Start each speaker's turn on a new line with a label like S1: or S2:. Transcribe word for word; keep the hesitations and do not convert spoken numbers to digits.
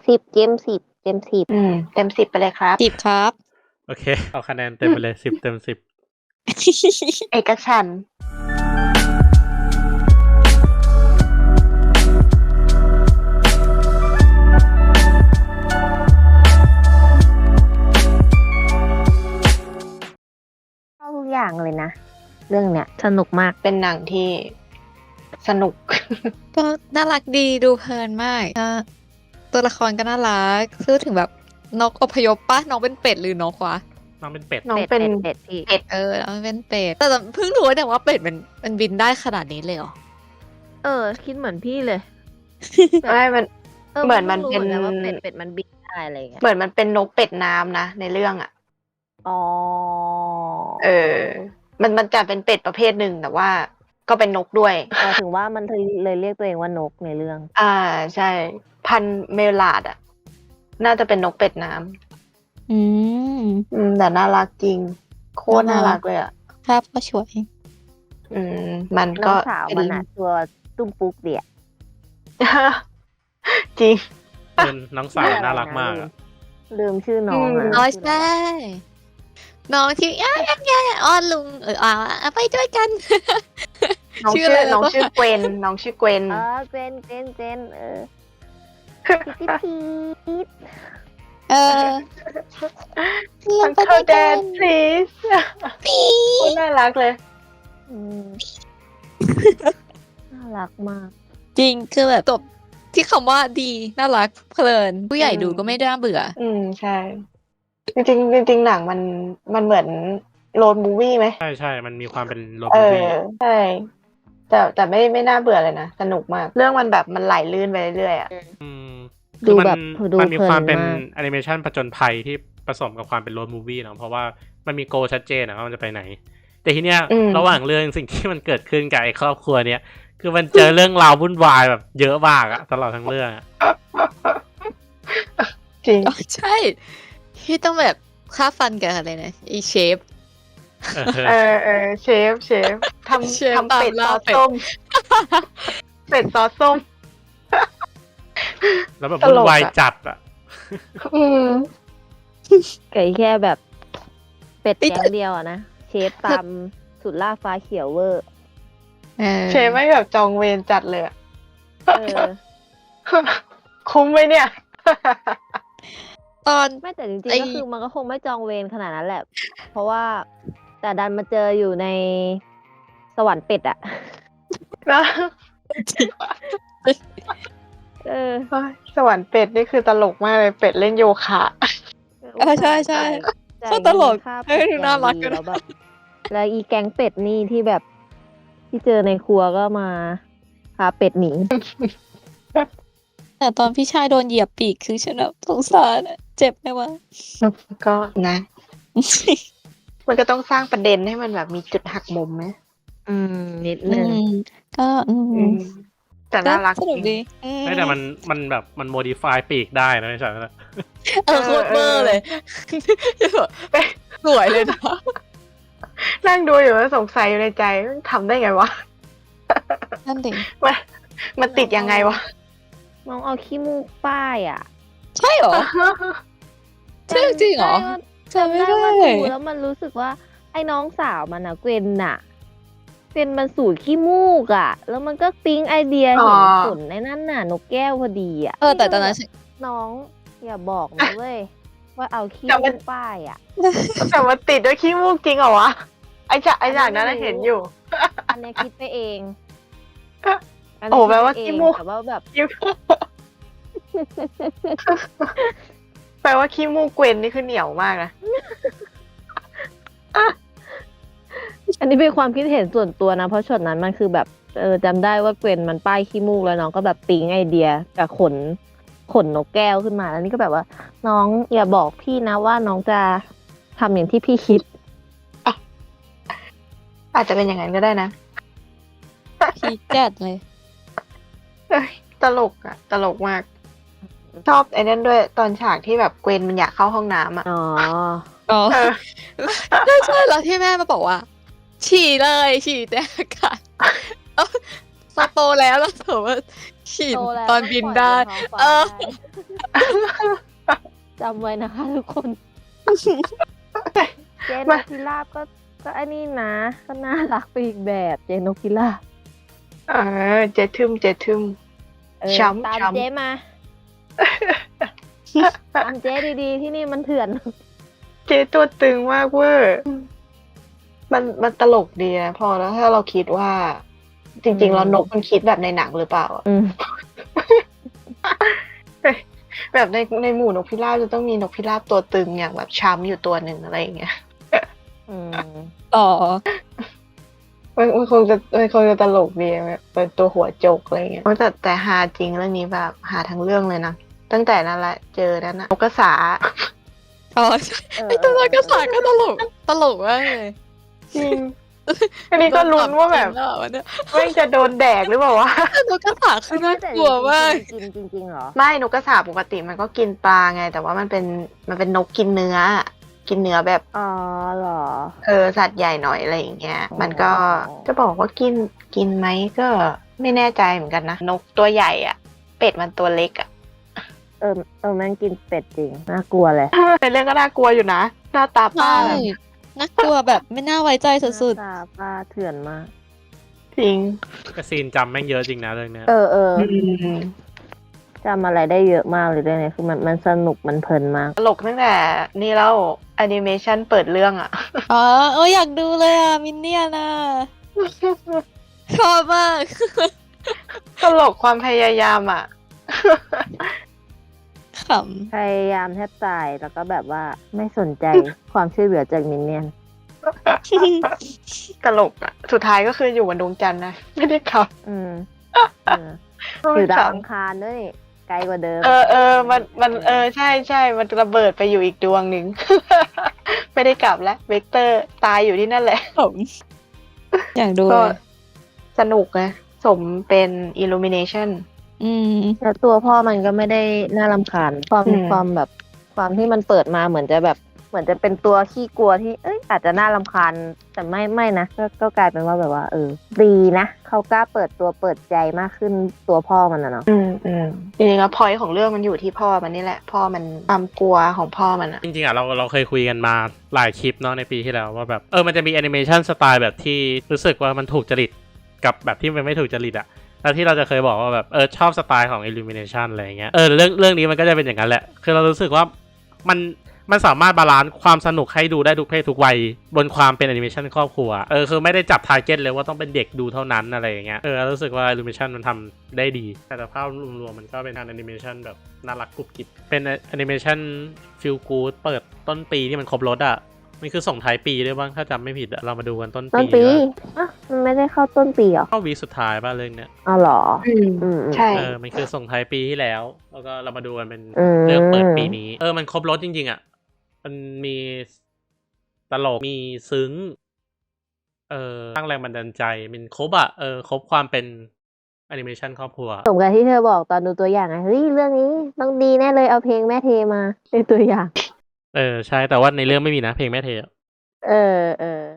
S1: สิบเจมสิบเจมสิบ
S2: อืมเต็มสิบไปเลยครับ
S3: สิบครับ
S4: โอเค เอาคะแนนเต็มไปเลยสิบเต็มสิบ
S2: เอกฉันท์
S1: เข้าทุกอย่างเลยนะ เรื่องเนี้ยสนุกมาก
S2: เป็นหนังที่สนุก
S3: ก็น่ารักดีดูเพลินมากก็ตัวละครก็น่ารักพูดถึงแบบนกอพยพปะน้องเป็นเป็ดหรือนกวะ
S4: น้องเป็นเป็ด
S2: น้องเป็น
S1: เป็ดพี่
S2: เป็ด
S3: เออน้องเป็นเป็ดแต่เพิ่งรู้เนี่ยว่าเป็ดมันมันบินได้ขนาดนี้เลยเหรอ
S1: เออ คิดเหมือนพี่เลย
S2: ไม่มัน เหมือนมันเป็น
S1: แล้วว่าเป็ดเป็ดมันบินได้อะไรอย่างเงี้ย
S2: เหมือนมันเป็นนกเป็ดน้ำนะในเรื่องอ่ะ
S1: อ๋อ
S2: เออ มันมันจะเป็นเป็ดประเภทหนึ่งแต่ว่า ก็เป็นนกด้วย
S1: หมายถึงว่ามันเลยเรียกตัวเองว่านกในเรื่อง
S2: อ่าใช่ พันธุ์เมลาดอ่ะ น่าจะเป็นนกเป็ดน้ำ
S3: อืม
S2: อืมแต่น่ารักจริง โคตรน่า
S3: น่ารั
S2: รั
S3: ก
S2: กเลยอ่ะ
S3: ภาพก็สวย
S2: อืม มัน
S1: น้
S2: ก็
S1: องสาวมันอะตัวตุ้มปุ๊กเดีย
S2: จริง
S4: เป็นน้องสาวน่ารักมากอะ
S1: ลืมชื่อน้อง
S2: อื
S1: อะ
S2: ม
S3: อ๋อใช่น้องที่ย่าย่าย่าอ้อนลุงเอออ่าไปด้วยกัน
S2: น้อง
S3: ชื่
S2: ชื่
S3: อ
S2: อ
S3: อะไรนะ
S2: น้องชื่อเกวน น้องชื่อเกวน
S1: เออเจนเจนเจนเออพีพีด
S3: เออล
S2: มั
S3: ง
S2: น
S3: ไป
S2: เข้า
S3: ด้วย
S2: แด
S3: กัน
S2: น please โคตรน่ารักเลย
S1: อืมน่ารักมาก
S3: จริงคือแบบจบที่คำว่าดีน่ารักเพลินผู้ใหญ่
S2: อืม
S3: ดูก็ไม่น่าเบื่อ
S2: อืมใช่ จริงๆจริงๆหนังมันมันเหมือนโรดมูวี่ไหม
S4: ใช่ใช่มันมีความเป็นโรบ
S2: เอ
S4: มู
S2: อ
S4: ฟี่
S2: ใช่ แต่แต่ไม่ไม่น่าเบื่อเลยนะ สนุกมาก เรื่องมันแบบมันไหลลื่นไปเรื่อยๆอ่ะ
S4: อืม
S1: ดู
S4: คือมัน
S1: แบบดู
S4: มันมีความเป็น
S1: เพลินมาก
S4: แอนิเมชันผจญภัยที่ผสมกับความเป็นโรดมูวี่เนาะเพราะว่ามันมีโกลชัดเจนนะว่ามันจะไปไหน แต่ทีเนี้ย
S2: อืม
S4: ระหว่างเรื่องสิ่งที่มันเกิดขึ้นกับไอ้ครอบครัวเนี้ยคือมันเจอเรื่องราววุ่นวายแบบเยอะมากอะตลอดทั้งเรื่องอะ
S2: จริง
S3: อ๋อใช่ที่ต้องแบบค่าฟันกับอะไรนะไอเชฟ
S4: เออ
S2: เออเออเชฟเชฟท
S3: เชฟ
S2: ำทำเป็ด
S3: ตาม
S2: ซ
S3: ล่า
S2: อส
S3: เป็ด
S2: ส้ม เป็ดซอสส้ม
S4: แล้วแบบ
S2: ต
S4: วุ่
S2: ล
S4: น
S2: กอะ
S4: วายจัดอะ
S2: อืม
S1: ไก่แค่แบบ เป็ดแกงเดียวอะนะ เชฟตามสุดล่าฟ้าเขียวเวอร์
S3: เออ
S2: เชฟไม่แบบจองเวรจัดเลยอะ
S1: เออ
S2: คุ้มไหมเนี่ย
S3: ตอน
S1: ไม่แต่จริง
S3: ไอ้
S1: ๆ ก็คือมันก็คงไม่จองเวรขนาดนั้นแหละ เพราะว่าแต่ดันมาเจออยู่ในสวรรค์เป็ดอะ
S2: นะ
S1: เออ
S2: สวรรค์เป็ดนี่คือตลกมากเลยเป็ดเล่นโยคะ
S3: เออใช่ใช่
S1: จ่าย
S3: ก็ตลก
S1: จ่ายเงินค่า
S3: เฮ้ย
S1: เป็ด
S3: ดูน่ารัก
S1: อย่งดี
S3: อะ
S1: แล้วแบบแล้วอีแก๊งเป็ดนี่ที่แบบ ที่เจอในครัวก็มาพาเป็ดหนี
S3: แต่ตอนพี่ชายโดนเหยียบปีกคือฉันแบบสงสารอะเจ็บไหมวะ
S2: ก็นะ มันก็ต้องสร้างประเด็นให้มันแบบมีจุดหักมุมไหม
S1: อืม นิด
S3: อื
S1: นึง
S3: มก็อืม
S2: อืมแต่น่ารัก
S3: สนุก
S2: จริ
S3: ดี
S2: ง
S3: อืม
S4: ไม่แต่มันมันแบบมันโมดิฟายปีกได้นะไม่ใช่ไหมล่ะ
S3: เออโคตรเบอร์เลย สวยเลยนะ
S2: นั่งดูอยู่แล้วสงสัยอยู่ในใจทำได้ไงวะ
S3: นั่นดิ
S2: มันมันติดยังไงวะ
S1: น้องเอาขี้มูกป้ายอ่ะ
S3: ใช่เหรอ ใช่จริงเหรอ
S1: จำ
S3: จำไม่
S1: ได้
S3: ได้
S1: ว่าดูแล้วมันรู้สึกว่า ไอ้น้องสาวมันอะเกวนน่ะเกวนมันสูดขี้มูกอ่ะ แล้วมันก็ปิ๊งไอเดีย
S2: อ๋อ
S1: เห็นผลในนั่นน่ะ นกแก้วพอดีอ่ะ
S3: เออแต่ตอนนั้นฉัน
S1: น้องอย่าบอกนะเว้ย ว่าเอาขี้
S2: แต่มั
S1: มู
S2: น
S1: กป้ายอ่ะ
S2: แต่มันติดด้วยขี้มูกจริงเหรอวะ ไอ้ฉากไอ้ฉากนั้น
S1: อันนั้นไม่รู้
S2: เห็นอยู่
S1: อันเนี้ยคิดไปเองน
S2: โอ้
S1: เนี้ย
S2: แปลว่า
S1: คิดไป
S2: ขี้
S1: เอง
S2: มูก
S1: แต่ว่าแบบ
S2: ขี้แปลว่าขี้มูกเกวนนี่คือเหนียวมากนะ
S1: อันนี้เป็นความคิดเห็นส่วนตัวนะ เพราะช็อตนั้นมันคือแบบเออจำได้ว่าเกวนมันป้ายขี้มูกแล้วน้องก็แบบปิ๊งไอเดียกับขนขนนกแก้วขึ้นมาแล้วนี่ก็แบบว่า น้องอย่าบอกพี่นะว่าน้องจะทำอย่างที่พี่คิด
S2: อาจจะเป็นอย่างนั้นก็ได้นะ
S3: พีคจัดเลย
S2: เอ้ยตลกอะตลกมาก ชอบไอ้นั่นด้วยตอนฉากที่แบบเกวนมันอยากเข้าห้องน้ำอะ
S1: อ๋อ
S3: อ๋อ
S2: เออ
S3: ใช่ใช่แล้วที่แม่มาบอกว่า ฉี่เลยฉี่แต่อากาศเอ้าพอโตแล้วแล้วเถอะว่าหิน
S1: โตแล้ว
S3: ตอน
S1: ต้อง
S3: บิน
S1: ปล่อย
S3: ได้
S1: บนท้องฟ้า
S3: เออ
S1: ได้จำไว้นะคะทุกคน เจนน
S2: มา
S1: กพิราบก็ก็ไอ้นี่นะ ก็น่ารักไปอีกแบบเจนนกพิราบ
S2: เออเจทึมเจทึม
S1: เออ
S2: ช้ำ
S1: ตาม
S2: ช้ำ
S1: เจ๊มา ตามเจ๊ดีๆ ที่นี่มันเถื่อน
S2: เจตัวตึงมากเวอร์มันมันตลกดีนะพอแล้วถ้าเราคิดว่า จริง
S1: อื
S2: ๆ
S1: ม
S2: แล้วนกมันคิดแบบในหนังหรือเปล่าอะ
S1: อืม
S2: แบบในในหมู่นกพิราบจะต้องมีนกพิราบตัวตึงอย่างแบบช้ำอยู่ตัวหนึ่งอะไรอย่างเงี้ย
S1: อืม
S3: ต่อ
S2: มันมันคงจะมันคงจะตลกดีแบบเป็นตัวหัวโจกอะไรเงี้ยแต่แต่ฮาจริงเรื่องนี้แบบหาทั้งเรื่องเลยนะตั้งแต่นั้นแหละเจอนั้นนะนกกระสา
S3: อ๋อใช่
S1: เออ
S3: ไอตัวนักกระสาก็ตลก ตลกมากเลย
S2: จริง อันนี้ก็ลุ้นว่าแบบ
S3: โดนปรับเกณฑ์แล้วอะเนี่ย
S2: แม่งจะโดนแดกหรือเปล่าวะ
S3: แต่นกกระสาคือน่ากลัวมาก
S1: กินจริงๆเหรอ
S2: ไม่นกกระสาปกติมันก็กินปลาไง แต่ว่ามันเป็นมันเป็นนกกินเนื้อ กินเนื้อแบบ
S1: อ๋อเหรอ
S2: เออสัตว์ใหญ่หน่อยอะไรอย่างเงี้ย
S1: อ๋อ
S2: มันก็จะบอกว่ากินกินไหมก็ไม่แน่ใจเหมือนกันนะนกตัวใหญ่อ่ะ เป็ดมันตัวเล็กอ่ะ
S1: เออเออแม่งกินเป็ดจริง น่ากลัวเลย
S2: ในเรื่องก็น่ากลัวอยู่นะหน้าตาป้า
S3: ใช่น่ากลัวแบบไม่น่าไว้ใจสุด
S1: หน้าตาป้าเถื่อนมาก
S2: จริง
S4: กระซีนจำแม่งเยอะจริงนะเรื่องเนี้ย
S1: เออเออ
S2: อืม
S1: จำอะไรได้เยอะมากเลยเรื่องนี้คือมันมันสนุกมันเพลินมาก
S2: ตลกตั้งแต่นี่แล้วแอนิเมชันเปิดเรื่องอ่ะ
S3: ๆ อ๋อเอออยากดูเลยอ่ะ มินเนี่ยนอ่ะ ชอบมาก
S2: ตลกความพยายามอ่ะ
S3: ข
S1: พยายามแทบตายแล้วก็แบบว่าไม่สนใจ ความช่วยเหลือจากมินเนี่ยน
S3: ำ
S2: ตลกอ่ะ สุดท้ายก็คืออยู่บนดวงจันทร์นะ ไม่ได้ขับ
S1: อืมเอออยู่ดาวอังคารด้วยนี่ไกลกว่าเดิม
S2: เออเออมันมันเออใช่ใช่มันระเบิดไปอยู่อีกดวงหนึ่ง ไม่ได้กลับแล้วเวกเตอร์ตายอยู่ที่นั่นแหละ
S3: ขำอยากดู
S2: ก็
S3: เลย
S2: สนุกนะสมเป็น Illumination
S3: อืม
S1: แล้วตัวพ่อมันก็ไม่ได้น่ารำคาญความ
S2: อืม
S1: ความแบบความที่มันเปิดมาเหมือนจะแบบเหมือนจะเป็นตัวขี้กลัวที่เอ้ยอาจจะน่ารำคาญแต่ไม่ไม่นะก็ก็กลายเป็นว่าแบบว่า เออ ดีนะเขากล้าเปิดตัวเปิดใจมากขึ้นตัวพ่อมันนะเนาะ
S2: อืมอืมจริงๆแล้วพอยของเรื่องมันอยู่ที่พ่อมันนี่แหละ พ่อมันความกลัวของพ่อมันอะ
S4: จริงๆอ่ะเราเราเคยคุยกันมาหลายคลิปเนาะในปีที่แล้วว่าแบบเออมันจะมีแอนิเมชันสไตล์แบบที่รู้สึกว่ามันถูกจริตกับแบบที่มันไม่ถูกจริตอ่ะแล้วที่เราจะเคยบอกว่าแบบเออชอบสไตล์ของ Illumination อะไรอย่างเงี้ยเออเรื่องเรื่องนี้มันก็จะเป็นอย่างนั้นแหละคือเรารู้สึกว่ามันมันสามารถบาลานซ์ความสนุกให้ดูได้ทุกเพศทุกวัยบนความเป็นแอนิเมชันครอบครัวเออคือไม่ได้จับทาร์เก็ตเลยว่าต้องเป็นเด็กดูเท่านั้นอะไรอย่างเงี้ยเออรู้สึกว่า Illumination มันทำได้ดีแต่ภาพรวมๆมันก็เป็นการแอนิเมชันแบบน่ารักกรุบกริบเป็นแอนิเมชันฟีลกู๊ดเปิดต้นปีที่มันครบรถอ่ะมันคือส่งท้ายปีด้วยบ้างถ้าจำไม่ผิดอะเรามาดูกันต้น
S1: ต้น
S4: ปี
S1: ปี
S4: ว่า
S1: อ่ะมันไม่ได้เข้าต้นปีเหรอ
S4: เข้าวีคสุดท้ายป่ะเรื่องเนี้ย
S1: อ๋อเหรอ
S2: อืม
S1: อืมอืม
S2: ใช่
S4: เออมันคือส่งท้ายปีที่แล้ว แล้วก็เรามาดูกันเป็น
S1: อืม
S4: เรื่องเปิดปีนี้ เออมันครบรถจริงๆอ่ะมันมีตลกมีซึ้ง เออสร้างแรงบันดาลใจมันครบอ่ะเออครบความเป็นแอนิเมชันครอบครัว
S1: สมกับที่เธอบอกตอนดูตัวอย่างไงเฮ้ยเรื่องนี้ต้องดีแน่เลยเอาเพลงแม่เทมาในตัวอย่าง
S4: เออใช่แต่ว่าในเรื่องไม่มีนะเพลงแม่เทอะ
S1: เออเออ